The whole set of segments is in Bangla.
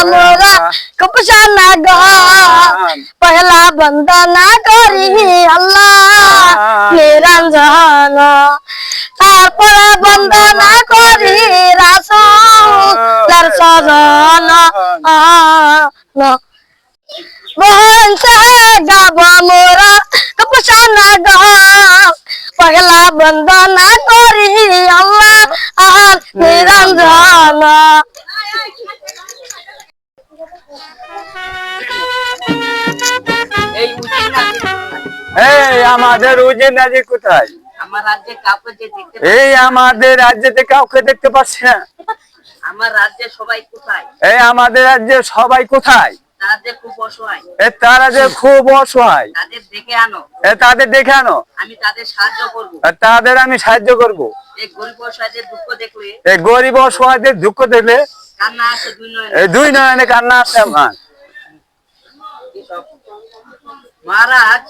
मोरा कपशाना गान पहला बंदना करी अल्लाह निरंजन तारपरे बंदना करी रासूल सजन मोहन से गावा मोरा कपशाना गान पहला बंदना करी अल्लाह निरंजन আমাদের উজির নাজি কোথায়? আমার রাজ্যে কাউকে দেখতে এই আমাদের রাজ্যে কাউকে দেখতে পাচ্ছি না। আমার রাজ্যে সবাই কোথায়? এই আমাদের রাজ্যে সবাই কোথায়? তারা যে খুব অসহায়। তারা যে খুব অসহায়। তাদের দেখে আনো। তাদের দেখে আনো। আমি তাদের সাহায্য করব। তাদের আমি সাহায্য করব। এই গরিব অসহায়দের দুঃখ দেখলে, এই গরিব অসহায়দের দুঃখ দেখলে কান্না আসে দুই নয়নে। এই দুই নয়নে কান্না আসে আমার। মহারাজ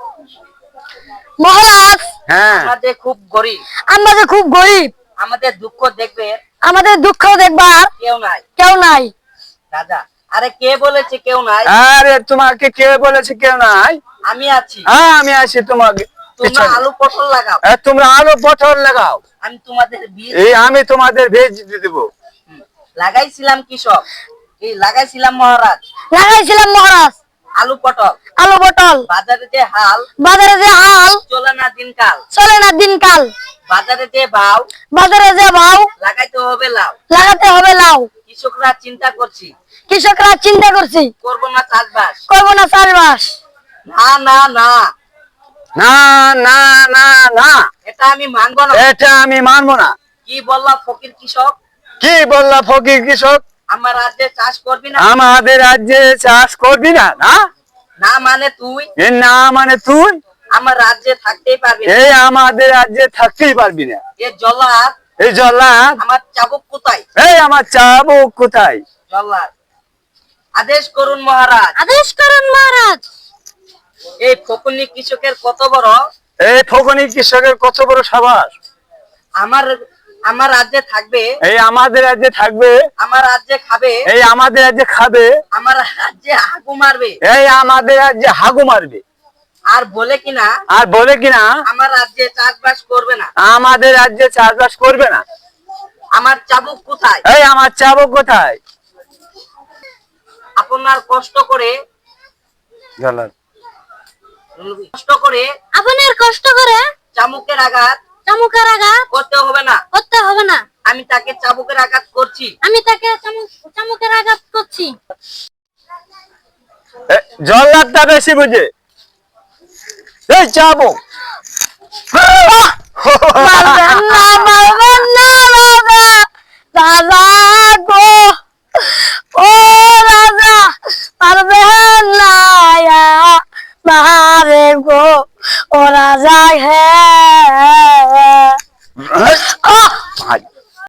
মহারাজ হ্যাঁ আমাদের খুব গরিব। আমরা যে খুব গরিব, আমাদের দুঃখ দেখবে আমাদের দুঃখ দেখবার কেউ নাই। রাজা আরে কে বলেছে কেউ নাই? আরে তোমাকে কে বলেছে কেউ নাই? আমি আছি। হ্যাঁ আমি আছি তোমাকে। তোমরা আলু পটল লাগাও। তোমরা আলু পটল লাগাও। আমি তোমাদের বীজ আমি তোমাদের বীজ দিয়ে দেব। লাগাইছিলাম কৃষক, এই লাগাইছিলাম মহারাজ। লাগাইছিলাম মহারাজ আলু পটল। আলু পটল বাজারে যে হাল চলে না দিনকাল। বাজারে যে ভাও লাগাইতে হবে লাউ। কৃষকরা চিন্তা করছি করব না চাষবাস। না না না না না না না এটা আমি মানবো না। এটা আমি মানবো না। কি বললা ফকির কৃষক? কি বললা ফকির কৃষক? আমার রাজ্যে চাষ করবি না? আমাদের রাজ্যে চাষ করবি না? না না মানে তুই? না মানে তুই আমার রাজ্যে থাকতেই পারবি না। এই আমাদের রাজ্যে থাকতেই পারবি না। এই জল্লাদ আমার চাবুক কোথায়? এই আমার চাবুক কোথায়? জল্লাদ আদেশ করুন মহারাজ। এই ফকুনি কৃষকের কত বড় সাবাস। আমার রাজ্যে থাকবে, এই আমাদের রাজ্যে থাকবে, আমার রাজ্যে খাবে, এই আমাদের রাজ্যে খাবে, আমার রাজ্যে হাগু মারবে, এই আমাদের রাজ্যে হাগু মারবে। আর বলে কিনা আমার রাজ্যে চাষবাস করবে না। আমাদের রাজ্যে চাষবাস করবে না। আমার চাবুক কোথায়? এই আমার চাবুক কোথায়? আপনার কষ্ট করে চামুকের আঘাত করতে হবে না। আমি তাকে চাবুকের আঘাত করছি। জল্লাদটা বেশি বুঝে। এই চাবুক মারবেন না